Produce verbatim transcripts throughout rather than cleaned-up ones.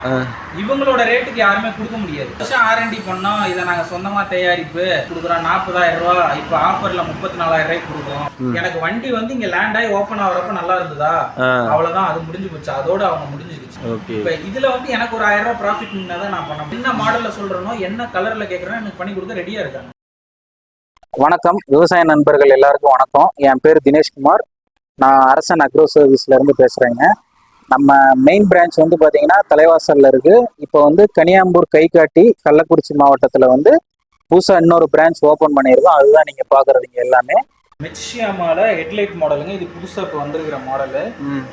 இவங்களோட ரேட்டுக்கு யாருமே கொடுக்க முடியாது. வருஷம் ஆர்என்டி பண்ணோம், இதை நாங்க சொந்தமா தயாரிப்பு கொடுக்குறோம் நாற்பதாயிரம் ரூபாய், இப்போ ஆஃபர்ல முப்பத்தி நாலாயிரம் ரூபாய்க்கு கொடுக்குறோம். எனக்கு வண்டி வந்து இங்க லேண்ட் ஆகி ஓப்பன் ஆகுறப்ப நல்லா இருந்ததா, அவ்வளவுதான், அது முடிஞ்சு போச்சு, அதோட அவங்க முடிஞ்சிருச்சு. இப்போ இதுல வந்து எனக்கு ஒரு ஆயிரம் ரூபாய் ப்ராஃபிட் தான் நான் பண்ண. என்ன மாடல்ல சொல்றேனோ, என்ன கலர்ல கேட்கறேன், எனக்கு பண்ணி கொடுக்க ரெடியா இருக்காங்க. வணக்கம் விவசாய நண்பர்கள் எல்லாருக்கும் வணக்கம். என் பேர் தினேஷ்குமார். நான் அரசன் அக்ரோ சர்வீஸ்ல இருந்து பேசுறேங்க. நம்ம மெயின் பிரான்ச் வந்து பாத்தீங்கன்னா தலைவாசல்ல இருக்கு. இப்போ வந்து கனியாம்பூர் கைகாட்டி கள்ளக்குறிச்சி மாவட்டத்துல வந்து புதுசா இன்னொரு பிரான்ச் ஓபன் பண்ணியிருக்கோம். அதுதான் நீங்க பாக்குறதுங்க எல்லாமே. மிட்சுயாமால ஹெட்லைட் மாடலுங்க. இது புதுசா இப்போ வந்திருக்கிற மாடலு.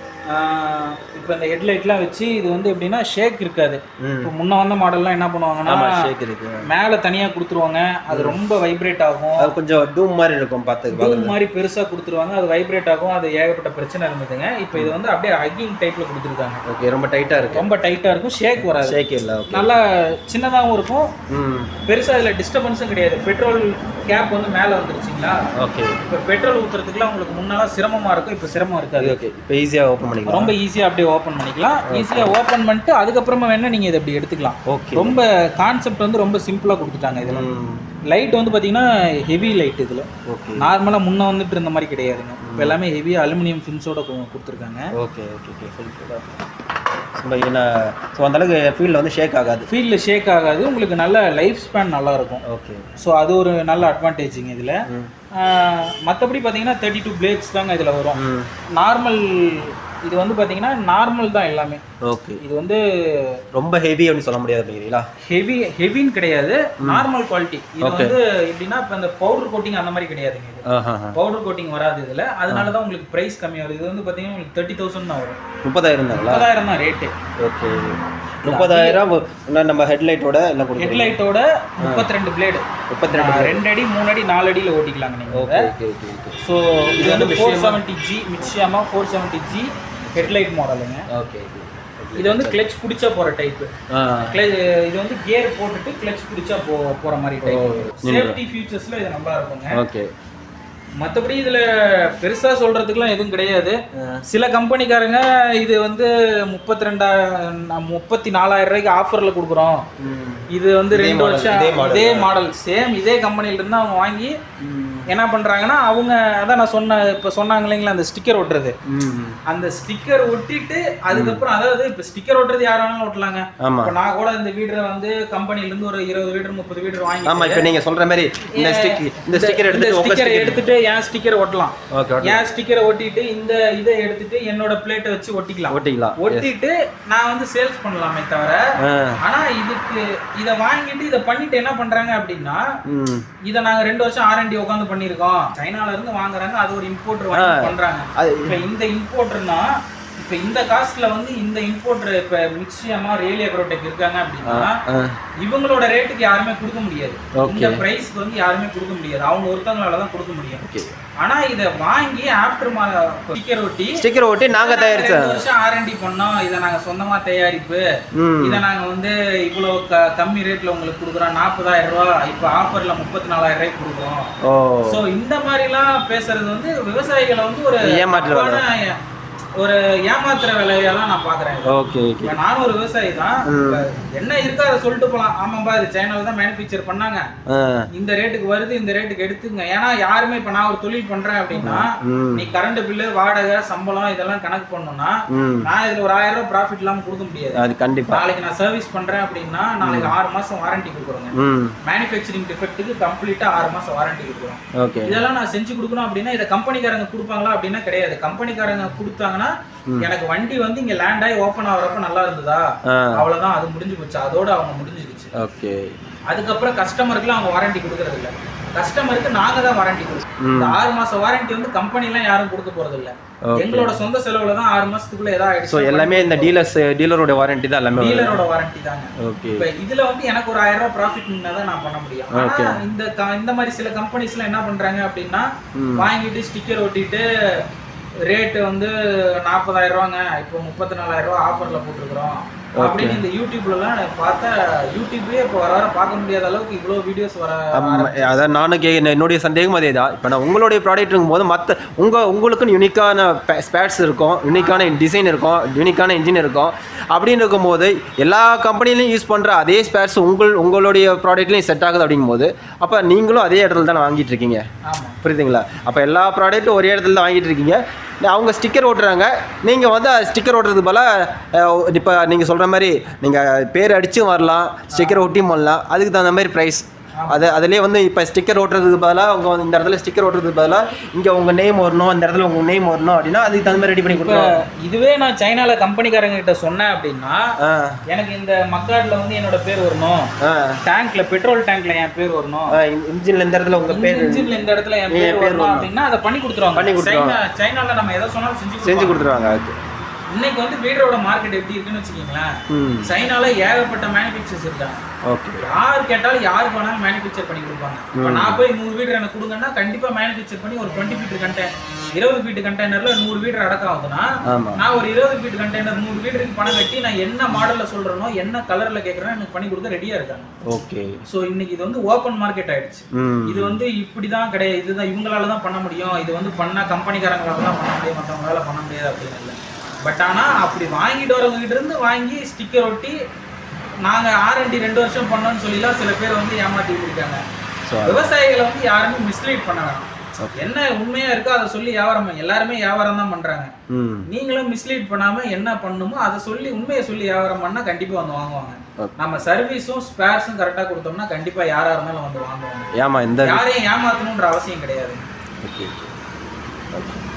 இப்போ இந்த ஹெட்லைட்லாம் வச்சு இது வந்து எப்படின்னா ஷேக் இருக்காது. இப்போ முன்ன வந்த மாடல்லாம் என்ன பண்ணுவாங்கன்னா ஷேக் இருக்கு, மேலே தனியாக கொடுத்துருவாங்க, அது ரொம்ப வைப்ரேட் ஆகும், அது கொஞ்சம் டூம் மாதிரி இருக்கும், பார்த்து டூம் மாதிரி பெருசாக கொடுத்துருவாங்க, அது வைப்ரேட் ஆகும், அது ஏகப்பட்ட பிரச்சனை இருந்ததுங்க. இப்போ இது வந்து அப்படியே ஹக்கிங் டைப்பில் கொடுத்துருக்காங்க. ஓகே, ரொம்ப டைட்டாக இருக்கும், ரொம்ப டைட்டாக இருக்கும், ஷேக் வராது, ஷேக் இல்லை, நல்லா சின்னதாகவும் இருக்கும், பெருசாக இதில் டிஸ்டர்பன்ஸும் கிடையாது. பெட்ரோல் கேப் வந்து மேலே வந்துருச்சுங்களா. ஓகே, இப்போ பெட்ரோல் ஊற்றுறதுக்குலாம் உங்களுக்கு முன்னெல்லாம் சிரமமாக இருக்கும், இப்போ சிரமம் இருக்காது. ஓகே, இப்போ ஈஸியாக ஓப்பன் பண்ணிக்கலாம், ரொம்ப ஈஸியாக அப்படியே ஓப்பன் பண்ணிக்கலாம். ஈஸியாக ஓப்பன் பண்ணிட்டு அதுக்கப்புறமா வேணால் நீங்கள் இதை அப்படி எடுத்துக்கலாம். ஓகே, ரொம்ப கான்செப்ட் வந்து ரொம்ப சிம்பிளாக கொடுத்துட்டாங்க. இதில் லைட் வந்து பார்த்தீங்கன்னா ஹெவி லைட். இதில் நார்மலாக முன்னே வந்துட்டு இருந்த மாதிரி கிடையாதுங்க. இப்போ எல்லாமே ஹெவி அலுமினியம் ஃபின்ஸோட கொடுத்துருக்காங்க. ஓகே ஓகே ஓகே ஏன்னா ஸோ அந்தளவுக்கு ஃபீல்டில் வந்து ஷேக் ஆகாது, ஃபீல்டில் ஷேக் ஆகாது, உங்களுக்கு நல்ல லைஃப் ஸ்பேன் நல்லாயிருக்கும். ஓகே, ஸோ அது ஒரு நல்ல அட்வான்டேஜுங்க இதில். மற்றபடி பார்த்தீங்கன்னா தேர்ட்டி டூ பிளேட்ஸ் தாங்க இதில் வரும். நார்மல் இது வந்து பார்த்தீங்கன்னா நார்மல் தான் எல்லாமே. ஓகே, இது வந்து ரொம்ப ஹெவி அப்படின்னு சொல்ல முடியாது அப்படிங்கிறீங்களா? ஹெவி ஹெவின்னு கிடையாது, நார்மல் குவாலிட்டி. இது வந்து எப்படின்னா இப்போ இந்த பவுடர் கோட்டிங் அந்த மாதிரி கிடையாதுங்க. இது பவுடர் கோட்டிங் வராது இதில், அதனால தான் உங்களுக்கு ப்ரைஸ் கம்மியாக வருது. இது வந்து பார்த்தீங்கன்னா உங்களுக்கு தேர்ட்டி தௌசண்ட் தான் வரும். முப்பதாயிரம் தான் முப்பதாயிரம் தான் ரேட்டு. ஓகே, முப்பதாயிரம் நம்ம ஹெட்லைட்டோட எல்லாம் கொடுக்கும். ஹெட்லைட்டோட முப்பத்தி ரெண்டு பிளேடு, முப்பத்தி ரெண்டு ரெண்டு அடி மூணு அடி நாலு அடியில் ஓட்டிக்கலாங்க நீங்கள். Okay okay okay. ஸோ இது வந்து four seventy G Mitsuyama four seventy G headlight மாடலுங்க. ஓகே, இது வந்து கிளச் பிடிச்சா போகிற டைப்பு. இது வந்து கியர் போட்டுட்டு கிளச் பிடிச்சா போ போகிற மாதிரி டைப். சேஃப்டி ஃபியூச்சர்ஸில் இது நல்லா இருக்குங்க. ஓகே, மற்றபடி இதில் பெருசாக சொல்கிறதுக்குலாம் எதுவும் கிடையாது. சில கம்பெனிக்காரங்க இது வந்து முப்பத்தி ரெண்டா முப்பத்தி நாலாயிரம் ரூபாய்க்கு ஆஃபரில் கொடுக்குறோம், இது வந்து ரெண்டு வருஷம் இதே மாடல் சேம் இதே கம்பெனிலேருந்து அவங்க வாங்கி என்ன பண்ணுறாங்கன்னா அவங்க அதான் நான் சொன்ன இப்போ சொன்னாங்க இல்லைங்களா அந்த ஸ்டிக்கர் ஒட்டுறது, அந்த ஸ்டிக்கர் ஒட்டிட்டு அதுக்கப்புறம் அதாவது இப்போ ஸ்டிக்கர் ஒட்டுறது யார் வேணாலும் ஒட்டலாங்க. இப்போ நான் கூட இந்த வீடரை வந்து கம்பெனிலேருந்து ஒரு இருபது வீடர் முப்பது வீடர் வாங்கி, ஆமாம் இப்போ நீங்கள் சொல்கிற மாதிரி இந்த ஸ்டிக்கர் இந்த ஸ்டிக்கர் எடுத்து ஸ்டிக்கர் எடுத்துட்டு என் ஸ்டிக்கர் ஒட்டலாம். என் ஸ்டிக்கரை ஒட்டிட்டு இந்த இதை எடுத்துட்டு என்னோட பிளேட்டை வச்சு ஒட்டிக்கலாம் ஒட்டிக்கலாம் ஒட்டிட்டு நான் வந்து சேல்ஸ் பண்ணலாமே தவிர. ஆனா இதுக்கு இதை வாங்கிட்டு இதை பண்ணிட்டு என்ன பண்றாங்க அப்படின்னா, இதை நாங்க ரெண்டு வருஷம் ஆர்என்டி உட்காந்து பண்ணிருக்கோம், சைனால இருந்து வாங்குறாங்க, அது ஒரு இம்போர்ட்டர் வாங்கி பண்றாங்க. இப்ப இந்த இம்போர்ட்டர்னா இப்ப இந்த காஸ்ட்ல வந்து இந்த இம்போர்ட்டர் இப்ப மிட்சுயாமா ரேலி அக்ரோடெக் இருக்காங்க அப்படின்னா இவங்களோட ரேட்டுக்கு யாருமே கொடுக்க முடியாது. இந்த பிரைஸ்க்கு வந்து யாருமே கொடுக்க முடியாது, அவங்க ஒருத்தவங்களால தான் கொடுக்க முடியும். ஆனா இத வாங்கி ஆஃப்டர் ஸ்டிக்கர் ஒட்டி ஸ்டிக்கர் ஒட்டி நாங்க தயாரிச்ச வருஷம் ஆர்என்டி பண்ணோம், இதை நாங்க சொந்தமா தயாரிப்பு, இதை நாங்க வந்து இவ்வளவு கம்மி ரேட்ல உங்களுக்கு கொடுக்குறோம், நாற்பதாயிரம் ரூபாய், இப்ப ஆஃபர்ல முப்பத்தி நாலாயிரம் ரூபாய்க்கு கொடுக்குறோம். சோ இந்த மாதிரி எல்லாம் பேசுறது வந்து விவசாயிகளை வந்து ஒரு ஏமாற்று ஒரு ஏமாத்துற வேலையா தான் நான் பாக்குறேன். ஓகே ஓகே, நானும் ஒரு விவசாயி தான், என்ன இருக்கா அதை சொல்லிட்டு போலாம். ஆமாம்பா இது சைனால தான் மேனுஃபேக்சர் பண்ணாங்க, இந்த ரேட்டுக்கு வருது, இந்த ரேட்டுக்கு எடுத்துங்க. ஏன்னா யாருமே இப்ப நான் ஒரு தொழில் பண்றேன் அப்படின்னா நீ கரண்ட் பில்லு வாடகை சம்பளம் இதெல்லாம் கணக்கு பண்ணணும்னா நான் இதுல ஒரு ஆயிரம் ரூபாய் ப்ராஃபிட் இல்லாம கொடுக்க முடியாது. அது கண்டிப்பா. நாளைக்கு நான் சர்வீஸ் பண்றேன் அப்படின்னா நாளைக்கு ஆறு மாசம் வாரண்டி கொடுக்குறோங்க. மேனுஃபேக்சரிங் டிஃபெக்ட்டுக்கு கம்ப்ளீட்டா ஆறு மாசம் வாரண்டி கொடுக்குறோம். இதெல்லாம் நான் செஞ்சு கொடுக்கணும் அப்படின்னா இதை கம்பெனிக்காரங்க கொடுப்பாங்களா அப்படின்னா கிடையாது. கம்பெனிக்காரங்க கொடுத்தாங்கன்னா எனக்கு வண்டி வந்து இங்க லேண்ட் ஆகி ஓபன் ஆகுறப்ப நல்லா இருந்ததா, அவ்வளவுதான், அது முடிஞ்சு போச்சு, அதோட அவங்க முடிஞ்சிருச்சு. ஓகே, அதுக்கப்புறம் கஸ்டமருக்குலாம் அவங்க வாரண்டி கொடுக்கறது இல்ல, கஸ்டமருக்கு நாங்க தான் வாரண்டி கொடுக்கணும். இந்த ஆறு மாசம் வாரண்டி வந்து கம்பெனி எல்லாம் யாரும் கொடுக்க போறது இல்ல, எங்களோட சொந்த செலவுல தான் ஆறு மாசத்துக்குள்ள ஏதாவது ஆயிடுச்சு. சோ எல்லாமே இந்த டீலர்ஸ் டீலரோட வாரண்டி தான், எல்லாமே டீலரோட வாரண்டி தாங்க. ஓகே, இப்போ இதுல வந்து எனக்கு ஒரு ஆயிரம் ரூபாய் ப்ராஃபிட் தான் நான் பண்ண முடியும். ஆனா இந்த இந்த மாதிரி சில கம்பெனிஸ்லாம் என்ன பண்றாங்க அப்படின்னா வாங்கிட்டு ஸ்டிக்கர் ஒட்டிட்டு ரேட்டு வந்து நாற்பதாயிரம் ரூபாங்க, இப்போ முப்பத்தி நாலாயிரம் ரூபா ஆஃபர்ல போட்டுருக்குறோம், அப்படின்னு இந்த யூடியூப்லலாம் பார்த்தா யூடியூபே இப்போ வர வர பார்க்க முடியாத அளவுக்கு இவ்வளோ வீடியோஸ் வர. அதான் நானும் கே என்னுடைய சந்தேகம் அதே தான். இப்போ நான் உங்களுடைய ப்ராடக்ட் இருக்கும்போது மற்ற உங்கள் உங்களுக்குன்னு யூனிக்கான ஸ்பேட்ஸ் இருக்கும், யூனிக்கான டிசைன் இருக்கும், யூனிக்கான இன்ஜின் இருக்கும். அப்படின்னு இருக்கும்போது எல்லா கம்பெனிலையும் யூஸ் பண்ணுற அதே ஸ்பேட்ஸ் உங்கள் உங்களுடைய ப்ராடக்ட்லேயும் செட் ஆகுது அப்படிங்கும்போது அப்போ நீங்களும் அதே இடத்துல தான் வாங்கிட்டு இருக்கீங்க. புரியுதுங்களா? அப்போ எல்லா ப்ராடக்ட்டும் ஒரே இடத்துல தான் வாங்கிட்டு இருக்கீங்க. அவங்க ஸ்டிக்கர் ஓட்டுறாங்க, நீங்கள் வந்து ஸ்டிக்கர் ஓட்டுறது போல் இப்போ நீங்கள் சொல்கிற மாதிரி நீங்கள் பேர் அடிச்சும் வரலாம், ஸ்டிக்கர் ஒட்டியும் வரலாம். அதுக்கு தகுந்த மாதிரி ப்ரைஸ். அது அதிலே வந்து இப்போ ஸ்டிக்கர் ஓட்டுறதுக்கு பதிலாக அவங்க வந்து இந்த இடத்துல ஸ்டிக்கர் ஓட்டுறதுக்கு பதிலாக இங்கே உங்கள் நேம் வரணும், இந்த இடத்துல உங்கள் நேம் வரணும் அப்படின்னா அதுக்கு தகுந்த மாதிரி ரெடி பண்ணி கொடுப்போம். இதுவே நான் சைனாவில் கம்பெனிக்காரங்க கிட்ட சொன்னேன் அப்படின்னா எனக்கு இந்த மக்காடில் வந்து என்னோட பேர் வரணும், டேங்க்ல பெட்ரோல் டேங்க்ல என் பேர் வரணும், இன்ஜின்ல இந்த இடத்துல உங்கள் பேர், இன்ஜின்ல இந்த இடத்துல என் பேர் வரணும் அப்படின்னா அதை பண்ணி கொடுத்துருவாங்க. பண்ணி கொடுத்துருவாங்க. சைனாவில் நம்ம எதை சொன்னாலும் செஞ்சு செஞ்சு கொடுத்துருவாங்க. அதுக்கு இன்னைக்கு வந்து வீடரோட மார்க்கெட் எப்படி இருக்குன்னு வச்சுக்கீங்களேன். சைனால ஏகப்பட்ட மேனுஃபேக்சர்ஸ் இருக்காங்க. ஓகே. யார் கேட்டாலும் யாருக்கு வேணாலும் மேனுஃபேக்சர் பண்ணி கொடுப்பாங்க. இப்போ நான் போய் நூறு வீடர் எனக்கு கொடுங்கன்னா கண்டிப்பா மேனுஃபேக்சர் பண்ணி ஒரு டுவெண்ட்டி ஃபீட் கண்டெய்னர் இருபது ஃபீட் கண்டெய்னர்ல நூறு வீடர் அடக்கம் ஆகுதுன்னா நான் ஒரு இருபது ஃபீட் கண்டெய்னர் நூறு வீடருக்கு பணம் கட்டி நான் என்ன மாடல்ல சொல்றேனோ என்ன கலர்ல கேட்கறேனோ எனக்கு பண்ணி கொடுக்க ரெடியா இருக்காங்க. ஓகே. ஸோ இன்னைக்கு இது வந்து ஓப்பன் மார்க்கெட் ஆயிடுச்சு. இது வந்து இப்படிதான் கிடையாது, இதுதான் இவங்களால தான் பண்ண முடியும், இது வந்து பண்ணா கம்பெனிக்காரங்களால தான் பண்ண முடியும், மற்றவங்களால பண்ண முடியாது அப்படின்னு இல்லை. பட் ஆனால் அப்படி வாங்கிட்டு வரவங்க கிட்ட இருந்து வாங்கி ஸ்டிக்கர் ஒட்டி நாங்கள் ஆர்என்டி ரெண்டு வருஷம் பண்ணோம்னு சொல்லிலாம் சில பேர் வந்து ஏமாற்றி இருக்காங்க. விவசாயிகளை வந்து யாருமே மிஸ்லீட் பண்ண வேணாம். என்ன உண்மையா இருக்கோ அதை சொல்லி வியாபாரம், எல்லாருமே வியாபாரம் தான் பண்றாங்க. நீங்களும் மிஸ்லீட் பண்ணாம என்ன பண்ணுமோ அதை சொல்லி உண்மையை சொல்லி வியாபாரம் பண்ணா கண்டிப்பா வந்து வாங்குவாங்க. நம்ம சர்வீஸும் ஸ்பேர்ஸும் கரெக்டா கொடுத்தோம்னா கண்டிப்பா யாரா இருந்தாலும் வந்து வாங்குவாங்க. யாரையும் ஏமாத்தணும்ன்ற அவசியம் கிடையாது.